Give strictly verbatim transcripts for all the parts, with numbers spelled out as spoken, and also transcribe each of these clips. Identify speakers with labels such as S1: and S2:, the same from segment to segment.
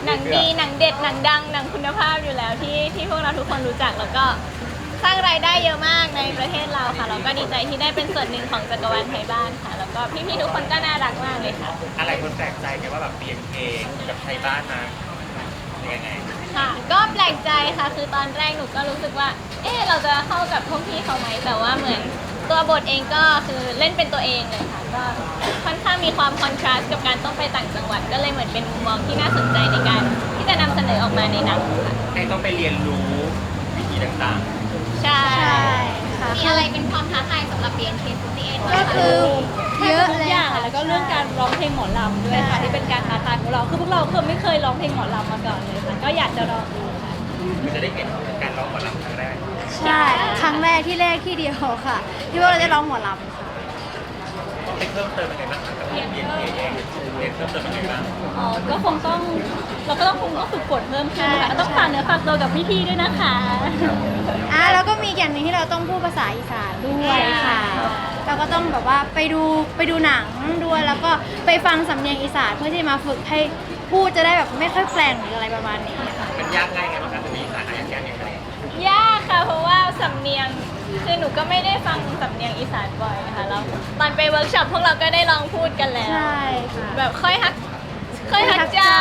S1: หนังดีหนังเด็ดหนังดังหนังคุณภาพอยู่แล้วที่ที่พวกเราทุกคนรู้จักแล้วก็สร้างรายได้เยอะมากในประเทศเราค่ะเราก็ดีใจที่ได้เป็นส่วนหนึ่งของจักรวาลไทยบ้านค่ะแล้วก็พี่ๆทุกคนก็น่ารักมากเลยค่ะ
S2: อะไรคนแปลกใจกันว่าแบบเปลี่ยนเพลงกับไทยบ้านมายังไง
S1: ค่ะก็แปลกใจค่ะคือตอนแรกหนูก็รู้สึกว่าเออเราจะเข้ากับพวกพี่เขาไหมแต่ว่าเหมือนตัวบทเองก็คือเล่นเป็นตัวเองเลยค่ะก็ค่อนข้างมีความคอนทราสต์กับการต้องไปต่างจังหวัดก็เลยเหมือนเป็นมุมมองที่น่าสนใจในการที่จะนำเสนอออกมาในหนังค่ะ
S2: ให้ต้องไปเรียนรู้วิธีต่าง
S1: ๆใช่ค่ะมีอะไรเป็นความท้าทายสำหรับ บี เอ็น เค สี่สิบเอ็ด
S3: ก็คือเยอะ
S4: ทุกอย่างแล้วก็เรื่องการร้องเพลงหมอลำด้วยค่ะที่เป็นการท้าทายของเราคือพวกเราคือไม่เคยร้องเพลงหมอลำมาก่อนเลยค่ะก็อยากจะลองดูค่ะ
S2: มันจะได้เห็นการร้องหมอลำครั้งแรก
S3: ใช่ครั้งแรกที่แรกที่เดียวค่ะ ที่ว่าเราได้ร้องหมอลำค่ะ
S2: ต้องไปเพิ่มเติมยังไงบ้างกับเรียนเรียนเองเรียนเพิ่มเติมยังไงบ้าง
S4: อ๋อก็คงต้องเราก็ต้องคงต้องฝึกฝนเพิ่มขึ้นค่ะต้องฝากเนื้อฝากตัวกับพี่ๆด้วยนะคะ
S3: อ่ะแล้วก็มีอย่างหนึ่งที่เราต้องพูดภาษาอีสานด้วยค่ะเราก็ต้องแบบว่าไปดูไปดูหนังด้วยแล้วก็ไปฟังสำเนียงอีสานเพื่อที่มาฝึกให้พูดจะได้แบบไม่ค่อยแปลงหรืออะไรประมาณนี้ค่ะ
S2: มันยากง่ายไงบ้างครับมีอีสานยากยากยังไง
S1: ยากค่ะเพราะว่าสำเนียงคือหนูก็ไม่ได้ฟังสำเนียงอีสานบ่อยค่ะแล้วตอนไปเวิร์กช็อปพวกเราก็ได้ลองพูดกันแล้ว
S3: ใช่ค่ะ
S1: แบบค่อยฮักค่อยฮักเจ้า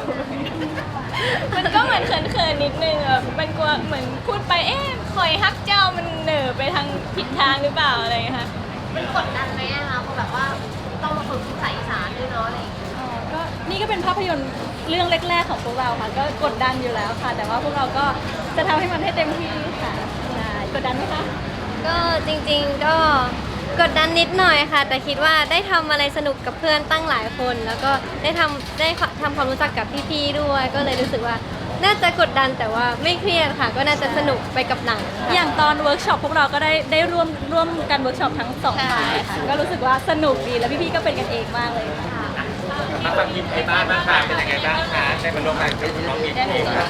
S1: มันก็เหมือนเขินๆนิดนึงแบบมันกลัวเหมือนพูดไปเอ๊ะคอยฮักเจ้ามันเหน่อไปทางผิดทางหรือเปล่าอะไรอย่างเงี้ยค่ะ
S5: มันกดดันไหมอะคะเพราะแบบว่าต้องมาฝึกภาษาอีสานด้วยเนาะอะไรอย่างเงี้ย
S4: อ๋อก็นี่ก็เป็นภาพยนตร์เรื่องแรกๆของพวกเราค่ะก็กดดันอยู่แล้วค่ะแต่ว่าพวกเราก็จะทำให้มันให้เต็มที่ค่ะใช่กดดันไหมคะ
S5: ก็จริงๆก็กดดันนิดหน่อยค่ะแต่คิดว่าได้ทำอะไรสนุกกับเพื่อนตั้งหลายคน แล้วก็ได้ทำได้ทำความรู้จักกับพี่ๆด้วยก็เลยรู้สึกว่าน่าจะกดดันแต่ว่าไม่เครียดค่ะก็น่าจะสนุกไปกับหนัง
S4: อย่างตอนเวิร์กช็อปพวกเราก็ได้ได้ร่วมร่วมกันเวิร์กช็อปทั้งสองฝ่ายค่ะก็รู้สึกว่าสนุกดีแล้วพี่ๆก็เป็นกันเองมากเลยค่ะ
S2: มาฟังทีมไทยบ้านบ้างค่ะเป็นยังไงบ้างคะได้มาร่วมงานกับน้องบีเองครับ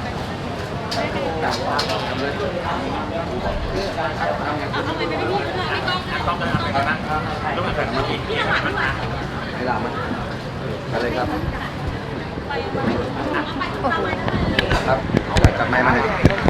S2: ต้องมาทำอะไรบ้างร่วมงานกับน้องบีเองบ้างคะ
S6: เวลามันอะไรครับครับจับไม้มาเลย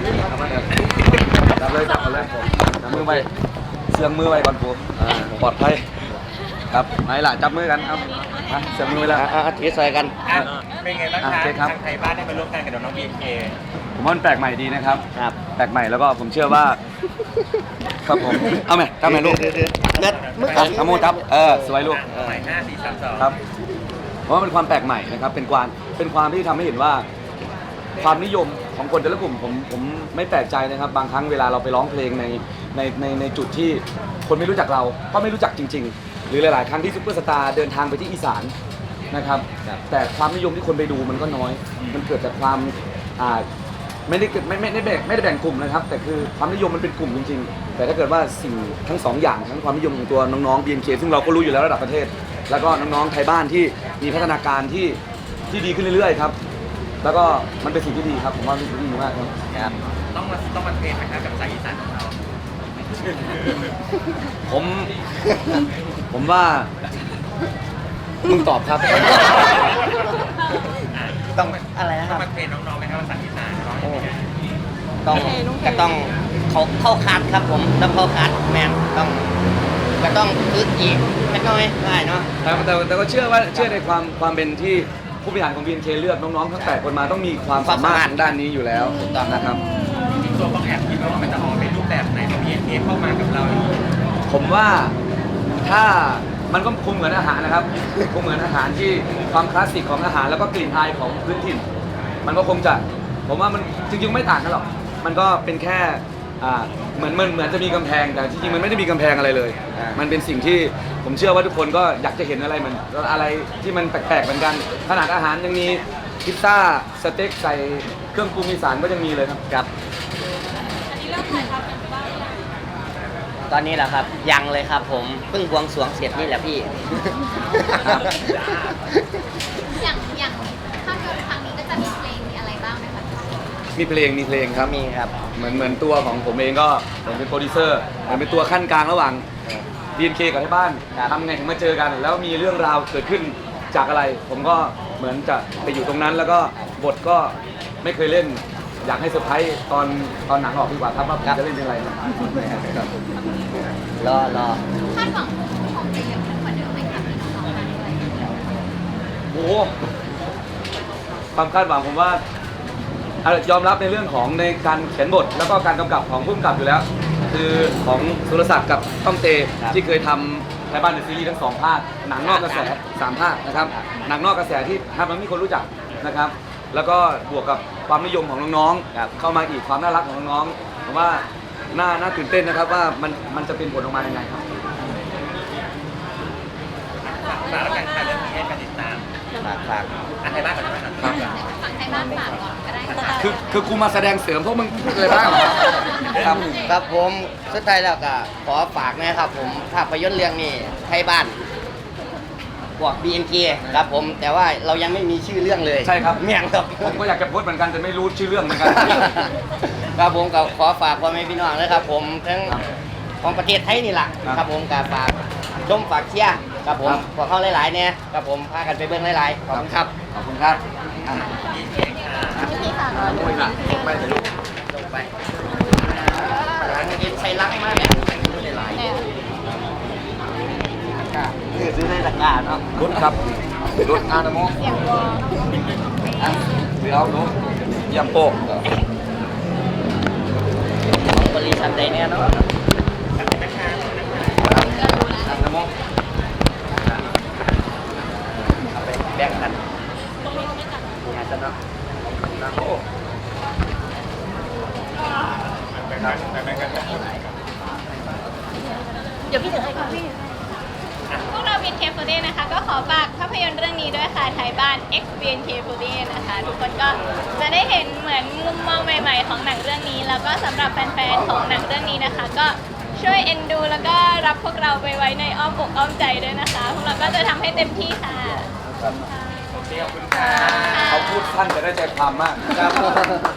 S6: จับเลยจับเลยจับมือไปเสื่องมือไปก่อนผมปลอดภัยครับไหนล่ะจับมือกันครับเสื่องมือไปแล้วอ่ะทีใส่กัน
S2: เป็นไงบ้างคะทางไทยบ้านได้มาร่วมงานกับน้องบีเอ
S6: ผมว่ามันแปลกใหม่ดีนะครับแปลกใหม่แล้วก็ผมเชื่อว่าครับผมเอาไหมจับไหมลูกเน็ตมือกับเอาโมจับเออสวยลูก
S2: ใหม่ห้าสี่สามสอง
S6: ครับเพราะว่าเป็นความแปลกใหม่นะครับเป็นความเป็นความที่ทำให้เห็นว่าความนิยมของคนแต่ละกลุ่มผมผมไม่แปลกใจนะครับบางครั้งเวลาเราไปร้องเพลงในในในในจุดที่คนไม่รู้จักเราก็ไม่รู้จักจริงๆหรือหลายๆครั้งที่ซุปเปอร์สตาร์เดินทางไปที่อีสานนะครับแต่ความนิยมที่คนไปดูมันก็น้อยมันเกิดจากความอ่าไม่ได้ไม่ไม่ได้แบ่งไม่ได้แบ่งกลุ่มนะครับแต่คือความนิยมมันเป็นกลุ่มจริงๆแต่ถ้าเกิดว่าสิ่งทั้งสองอย่างทั้งความนิยมของตัวน้องๆ บี เอ็น เค ซึ่งเราก็รู้อยู่แล้วระดับประเทศแล้วก็น้องๆไทยบ้านที่มีพัฒนาการที่ที่ดีขึ้นเรื่อยๆครับแล้วก็มันเป็นสิ่งที่ดีครับผมว่ามันดีมากครับ
S2: ต้องมาต้องมาเทรนนะครับกับสายอีสานของเรา
S6: ผมผมว่ามึงตอบครับ
S7: ต้องอะไรนะค
S2: ต้อง
S7: รับ
S2: มาเทรนน้องๆไหมครับภาษาอีสานน้อง
S7: ต้องก็ต้องเขาเข้าคัดครับผมต้องเข้าคัดแมนต้องก็ต้องฝึกอีกเล็กน้อยได้เนาะ
S6: แต่แต่แต่ก็เชื่อว่าเชื่อในความความเป็นที่ผู้บริหารของ บี เอ็น เค เลือกน้องๆทั้งแปดคนมาต้องมีความสามารถทางด้านนี้อยู่แล้วนะครับ
S2: จริงๆตัวต้องแอบคิดว่ามันจะออกเป็นรูปแบบไหนของ บี เอ็น เค เข้ามากับเรา
S6: ผมว่าถ้ามันก็คงเหมือนอาหารนะครับคงเหมือนอาหารที่ความคลาสสิกของอาหารแล้วก็กลิ่นอายของพื้นถิ่นมันก็คงจะผมว่ามันจริงๆไม่ต่างกันหรอกมันก็เป็นแค่เหมือนเหมือนจะมีกำแพงแต่จริงๆมันไม่ได้มีกำแพงอะไรเลยมันเป็นสิ่งที่ผมเชื่อว่าทุกคนก็อยากจะเห็นอะไรเหมือนอะไรที่มันแปลกๆเหมือนกันขนาดอาหารยังมีพิซซ่าสเต็กใส่เครื่องปรุงอีสานก็ยังมีเลยครับ
S7: ครับตอนนี้แหละครับยังเลยครับผมเพิ่งบวงสรวงเสร็จนี่แหละพี่
S5: อย่างอย่างภาพยนตร์ครั้งนี้ก็จะมีเพลงมีอะไรบ้างไหมคะ
S6: มีเพลงมีเพลงครับ
S7: มีครับ
S6: เหมือนเหมือนตัวของผมเองก็ผมเป็นโปรดิวเซอร์ผมเป็นตัวขั้นกลางระหว่าง บี เอ็น เค กับที่บ้านทำไงถึงมาเจอกันแล้วมีเรื่องราวเกิดขึ้นจากอะไรผมก็เหมือนจะไปอยู่ตรงนั้นแล้วก็บทก็ไม่เคยเล่น อยากให้เซอร์ไพรส์ตอนตอนหนังออกดีกว่าครับว่าผมจะเล่นเป็นอะไรนะครับ
S7: รอรอ
S1: คาดหวังของจะเยอะขึ้นกว่าเดิมไหมคะพี่น้องๆมาด้วย
S6: โอ้โหความคาดหวังผมว่าอ่ะยอมรับในเรื่องของในการเขียนบทแล้วก็การกำกับของผู้กำกับอยู่แล้ว คือของสุรศักดิ์กับต้องเตที่เคยทำไทยบ้านในซีรีส์ทั้งสองภาคหนังนอกกระแสสามภาคนะครับหนังนอกกระแสที่ทำให้มีคนรู้จักนะครับ แล้วก็บวกกับความนิยมของน้องๆเข้ามาอีกความน่ารักของน้องๆผมว่าน่าน่าตื่นเต้นนะครับว่ามันมันจะเป็นผลออกมายังไงครับ
S2: ฝากแล้วกันค่ะเรื่องนี้ให้การติดตาม
S7: ฝากฝาก
S2: อันไทยบ้านก่อนได้ไหมครับ
S1: ฝั่งไทยบ้านฝากก่อนก็ได้ค่ะ
S6: คือคือกูมาแสดงเสริมพวกมึงพูดอะไรบ้างครับ
S7: ครับผมสุดท้ายแล้วก็ขอฝากนะครับผมภาพยนตร์เรื่องนี้ไทยบ้านบวก บี เอ็น เค ครับผมแต่ว่าเรายังไม่มีชื่อเรื่องเลย
S6: ใช่ครับ
S7: เมี่ยงครับ
S6: ผมก็อยากจะโพสต์เหมือนกันแต่ไม่รู้ชื่อเรื่องเหมือนกัน
S7: ครับผมก็ขอฝากพ่อแม่พี่น้องนะครับผมทั้งของประเทศไทยนี่แหละ
S6: ครับ
S7: ครับผมก็ฝากชมฝากเชียร์ครับผม
S6: ครับ
S7: พวกเขาหลายๆเนี่ยครับผมพากันไปเบิ่งหลายๆขอบคุณครับ
S6: ขอบคุณครับอ่ะ
S1: พี่ค่ะ
S6: โอ้ยล่ะไม่แต่ลูก
S7: ลงไปหลังกินใส่ลักมากเนี่ยหลายๆนี่ซื้อในตะกร้าเนาะ
S6: รถครับรถอานาโม
S1: เสียงวอ
S6: อ่ะหรือเอารถยำโป๊ก
S7: ของบริษัทใดเนี่ยเนาะ
S6: อานาโม
S7: เอาไปแบ่งกันงานจะเนาะ
S6: นาโม
S1: เดี๋ยวพี่ถึงให้ค่ะพี่พวกเรา บี เอ็น เค โฟร์ตี้ นะคะ ก็ขอฝากภาพยนตร์เรื่องนี้ด้วยค่ะไทยบ้าน X บี เอ็น เค โฟร์ตี้ นะคะ ทุกคนก็จะได้เห็นเหมือนมุมมองใหม่ๆของหนังเรื่องนี้ แล้วก็สำหรับแฟนๆของหนังเรื่องนี้นะคะ ก็ช่วยเอ็นดูแล้วก็รับพวกเราไปไว้ในอ้อมอกอ้อมใจด้วยนะคะพวกเราก็จะทำให้เต็มที่ค่ะ
S2: โอเคขอบคุณค่ะ
S6: เขาพูดสั้นแต่ได้ใจความมาก
S7: ครับ